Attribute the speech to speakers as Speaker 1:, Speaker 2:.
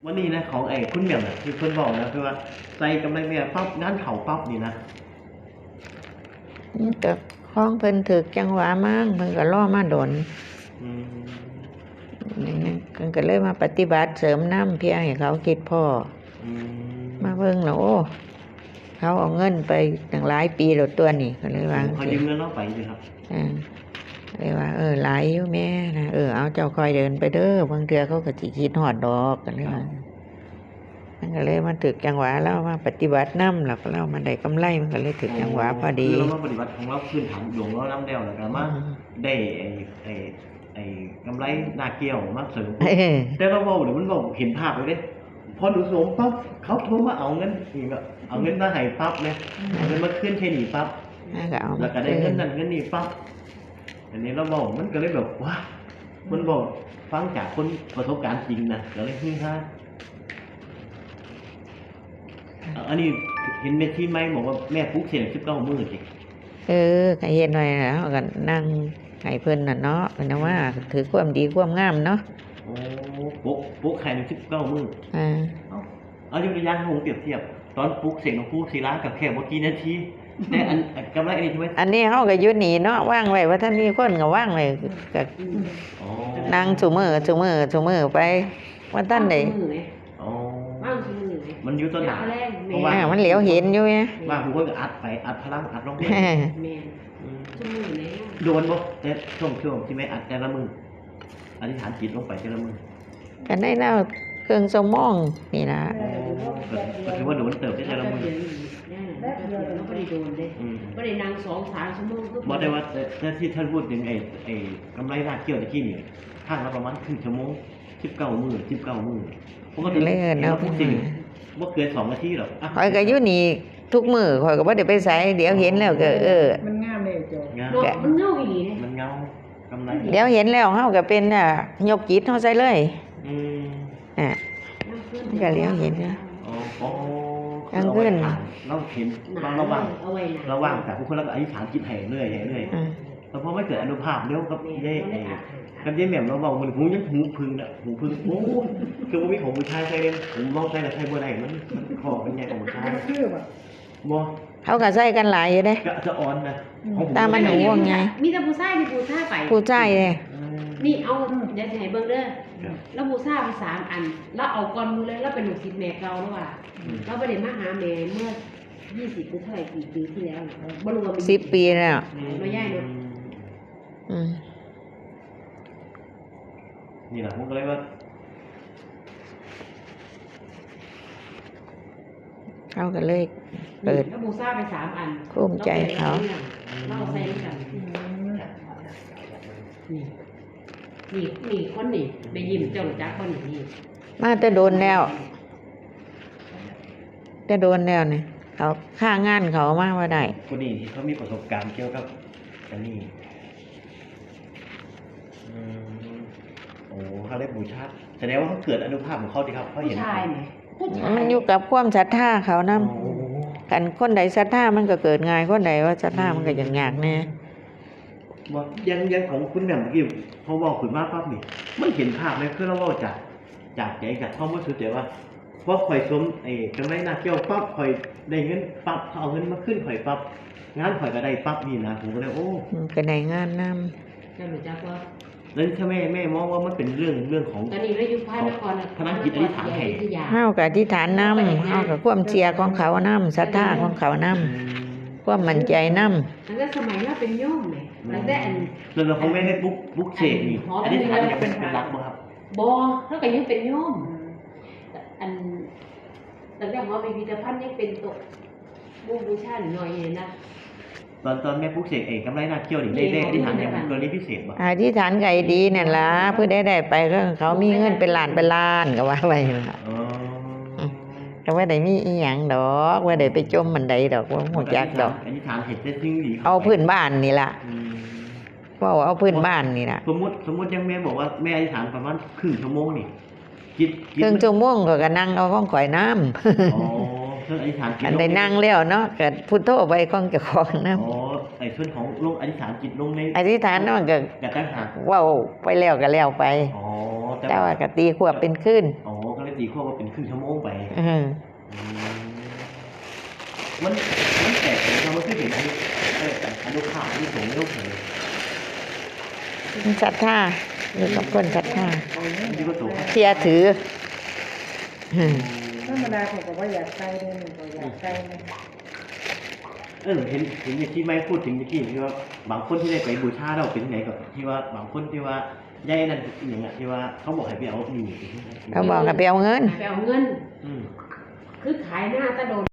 Speaker 1: วันนี้นะของไอ้คุณเหมียวน่ะคือเพิ่นบอกนะคือว่าใส่กำไรแม่ปั๊บงานเข้าปั๊บนี่นะ
Speaker 2: นี่ก็ของเพิ่นถึกจังหวะมั่งเพิ่นก็รอมาดน
Speaker 1: อืม
Speaker 2: นี่นะเพิ่นก็เลยมาปฏิบัติเสริมน้ำเพียงให้เขาคิดพ่อ
Speaker 1: อืม
Speaker 2: มาเบิ่งแล้วโอ้เขาเอาเงินไปตั้งหลายปีแล้วตัวนี่ก็เลยว่า
Speaker 1: เขายืมเงินเราไปสิครับ
Speaker 2: เลยว่าหลายอยู่แม่นะเอาเจ้าคอยเดินไปเด้อบางเทื่อเขาก็สิคิดฮอดดอกกันเลยว่ามันก็เลยมาถึกจังหวะแล้วมาปฏิบัติน้ำแล้วก็เรามาได้กำไรมันก็เลยถึกจังหวะพอดี
Speaker 1: คือเรามาปฏิบัติของเราพื้นฐานหลวงเราน้ำแล้วแล้วก็มาได้ไอ้กำไรนาเกี่ยวมาเสริมแต่เราเว้าเดี๋ยวมันบอกเห็นภาพเลยเด้พอหนูสวมปั๊บเขาโทรมาเอาเงินนี่ก็เอาเงินมาให้ปั๊บเลยเอาเงินมาขึ้นใช้หนีปั๊บแล้วก็ได้เงินนั่นเงินนี่ปั๊บอันนี้เราบอกมันก็เลยแบบว้ามันบอกฟังจากคนประสบการณ์จริงนะก็เลยฮือฮาอันนี้เห็นเมทีไหมบอกว่าแม่ปลุ๊กเสียง19 มื้อจิ
Speaker 2: ก็เห็นไว้แล้วก็นั่งให้เพิ่นน่ะเนาะเพิ่นว่าถือความดีความงามเนาะ
Speaker 1: โอ้ปลุ๊กใคร19 มื้อเอายกตัวอย่างให้ผมเปรียบเทียบตอนปลุ๊กเสียงของผู้ศิลากับแค่บ่กี่นาทีแต่อันกำไรอันนี้ใช่ไหม
Speaker 2: อันนี้เฮาก็อยู่นี่เนาะว่างไว้ว่าท่านมีคนก็ว่างไว้ก็นั่งซุมื้อไปว่าท่านได้
Speaker 1: มันอยู่ต้นหนา
Speaker 2: เพราะว่ามันเหลียวเห็นอยู่ไง
Speaker 1: ว่าผู้คนก็อัดไปอัดพลังอัดลงไปโดนบ่แต่ช่วงที่ไม่อัดแต่ละมืออธิษฐานจิตลงไปแต่ละมือ
Speaker 2: กันได้แล้วเครื่องสมองนี่นะ
Speaker 1: ก็ถือว่าโดนเติบได้แต่ละมือ
Speaker 3: ไม่ได้โดนเลยไม่ได้นั่ง2-3 ชั่วโมง
Speaker 1: บอกได้ว่าแต่ที่ท่านพูดถึงไอ้กำไรราดเกี่ยวตะกี้นี่ข้างละประมาณครึ่งชั่วโมง19 มื้อผมก็ถึงแล้วพวกจริงบ่เกิน2 นาทีหรอก
Speaker 2: ข่อยก็อยู่นี่ทุกมื้อข่อยก็บ่ได้ไปไสเดี๋ยวเห็นแล้วก็
Speaker 3: มันงามเลยโจ
Speaker 1: มันเงาอีหลีมันเงากำไร
Speaker 2: เดี๋ยวเห็นแล้วเฮาก็เป็นยกจิตเฮาใส่เลยก็เลี้ยวเห็นนะกลางคืน
Speaker 1: เราเห็นระว่างแต่ผู้คนเราก็อธิษฐานจิตให้เรื่อยแล้วพอไม่เกิดอนุภาพเดี๋ยวกับเย่กับเย่แหม่มเราบอกมันหูยังหูพึ่งโอ้คือว่ามีของผู้ชายใส่เลยผมมองใส่แต่ใส่บ่ได้มันคอเป็นไงของผู้ชายบ่
Speaker 2: เขาก็ใส่กันหลายอยู่เด้
Speaker 1: จะอ่อนนะ
Speaker 2: ตามันหนูว่าไง
Speaker 3: มีแต่ผู้ชายไป
Speaker 2: ผู้ชายเลย
Speaker 3: นี่เอาเดี๋ยวจะให้เบิ่งเด้อแล้วผู้ชายไป3 อันแล้วเอาก่อนมือเลยแล้วเป็นลูกศิษย์แม่เก่าแล้วว่าเราไปเรียนมาหาแม่เมื่อ20 ปีเท่าไหร่กี่ปีที่แล้วบ่รู้ว่า
Speaker 2: 10 ปีแล้ว
Speaker 3: มาย่ายเนาะ
Speaker 1: นี่แหละผมก็เลยว่า
Speaker 2: เขาก็เลยเปิด
Speaker 3: แล้วบูซ่าไป3 อัน
Speaker 2: ภูมิใจเขา
Speaker 3: เราใส่กันนี่คนนี่ไปยิ้มเจ้าหนูจักคนนี่
Speaker 2: มาแต่โดนแล้วนี่เขาค่างานเขามาว่าได้
Speaker 1: คนนี้ที่เขามีประสบการณ์เกี่ยวกับอันนี้โอ้เขาได้บูชาแสดงว่าเขาเกิดอนุภาพของเขาดีครับเขาเห็น
Speaker 2: มันอยู่กับความศรัทธาเขานำกันคนใดศรัทธามันก็เกิดง่ายคนใดว่าศรัทธามันก็ยากแน่
Speaker 1: บ่ยังของคุณแม่เมื่อกี้พอบอกขึ้นมาปั๊บนี่มันเห็นภาพเลยคือเราเว้าจากใจจากความรู้สึกแต่ว่าพอข่อยสมกำไรนาเกี่ยวปั๊บข่อยได้เงินปั๊บเขาเอาเงินมาขึ้นข่อยปั๊บงานข่อยก็ได้ปั๊บนี่นะผมก็เลยโอ้
Speaker 2: ก็ได้งานน
Speaker 3: ำเจ้าหนูจักว่า
Speaker 1: แล้วถ้าแม่มองว่ามันเป็นเรื่องของ
Speaker 3: ตอนนี้เราอยู่ภายนคร
Speaker 1: พนักจิตอธิษฐานให้
Speaker 2: เฮาก็อธิษฐานนำเฮาก็ความเชื่อของเขานำศรัทธาของเขานำความมั่นใจนำ
Speaker 3: ตั้งแต่สมัยเราเป็นโยมเลยตั้งแต่
Speaker 1: ส่วนของแม่ได้บุ๊กเสกนี่อธิษฐานยังเป็นรักบ่ครับ
Speaker 3: บ่เฮาก็ยังเป็นโยมอันตั้งแต่หมอพิพิธภัณฑ์ยังเป็นตกบูชาหน่อยนะ
Speaker 1: ตอนแม่ปุ๊กเสกกำไรนาเกี่ยวนี่ได้อธิษฐานอย่างกรณีพิเศษบ่
Speaker 2: อธิษฐานไก่ดีนั่นล่ะเพื่อได้ไปก็เขามีเงินเป็นล้านก็ว่าไว้ล่ะก็ว่าได้มีอีหยังดอกว่าได้ไปจมมันใดดอกว่าฮู้จักดอก
Speaker 1: อธิษฐานเฮ็ดแต่สิ่งดี
Speaker 2: เอาพื้นบ้านนี่ล่ะว่าเอาพื้นบ้านนี่ล่ะ
Speaker 1: สมมุติยังแม่บอกว่าแม่อธิษฐานประมาณครึ่งชั่วโมงนี่
Speaker 2: ครึ่งชั่วโมงก็นั่งเอาของข่อยน้ำ
Speaker 1: อ๋อเรื่องอธิษฐาน
Speaker 2: จิตอันได้นั่งแล้วเนาะก็พุทโธไปของเจ้าของนำ
Speaker 1: อ๋อส่วนของลงอธิษฐานจิตลงใน
Speaker 2: อธิษฐานมันก็
Speaker 1: ตั้งหาก
Speaker 2: ว้าวไปแล้วก็แล้วไป
Speaker 1: อ๋อ
Speaker 2: แต่ว่าก็ตีควบเป็นขึ้น
Speaker 1: อ๋อก็เลยตีข้อว่าเป็นครึ่งชั่วโมงไป
Speaker 2: เออ
Speaker 1: มันแตกเลยครับมันคือเห็นอนุภาพที่สูงไม่ต้องเลย
Speaker 2: มันศรัทธาอยู่กับคนศรัทธา
Speaker 1: ที่ก็สูง
Speaker 2: เชื่อถืออืม
Speaker 4: ธรรมดาผมก็ว่าอยากใส่เลยหนึ่งก็อยากใส่เลย
Speaker 1: เห็นอย่างที่ไม่พูดถึงเมื่อกี้ที่ว่าบางคนที่ได้ไปบูชาเราเป็นไงกับที่ว่าบางคนที่ว่าย่ายนั่นอย่างเงี้ยที่ว่าเขาบอกให้ไปเอาหนี
Speaker 2: เขาบอกให้ไปเอาเงิน
Speaker 3: ไปเอาเงิน
Speaker 1: อืม
Speaker 3: คือขายหน้าตะโดน